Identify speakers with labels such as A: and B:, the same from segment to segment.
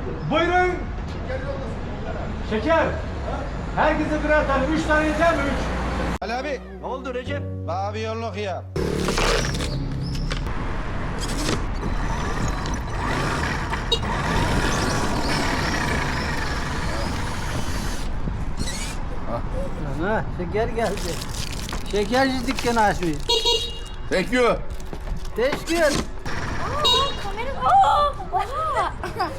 A: Buyurun. Şeker. Herkese birer tane. 3 tane yeter mi? 3.
B: Ali abi.
C: Ne oldu Recep?
B: Bana bir yolluk ya.
D: Ha, şeker geldi. Şekerci dükkanı açmış.
B: Thank you.
D: Teşekkür.
E: Kamera... Oha!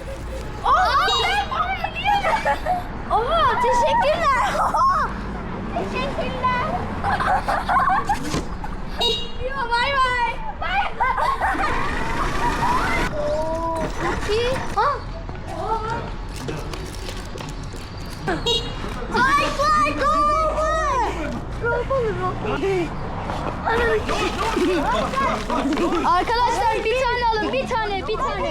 E: Oha! Teşekkürler! Oha! Teşekkürler! Yo, bay bay! Bay bay! İyi. Ha! Ay, vay, arkadaşlar bir tane alın, bir tane.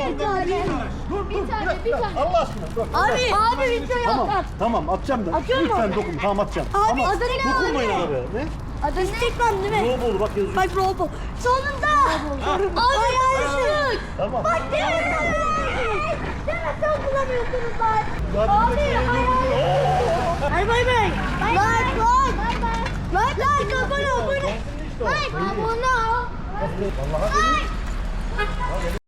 A: Allah aşkına. Dur.
E: Abi videoyu at.
A: Tamam atacağım da.
E: Atıyor mu?
A: Lütfen dokun. Tamam atacağım.
E: Abi
A: Ama
E: adı ne?
A: dokunmayın arabaya. Ne?
E: Adı Stekman değil mi?
A: Robolu bak yazıyor.
E: Bak Robo. Sonunda. Abi yanlışlık.
A: Tamam.
E: Bak deme. Deme sen kullanıyorsunuz lan.
A: Ya
E: Abi
A: bir de
E: hayır. Bay bay. Like. Like abone ol. Like abone ol.
A: Vallahi
E: Like.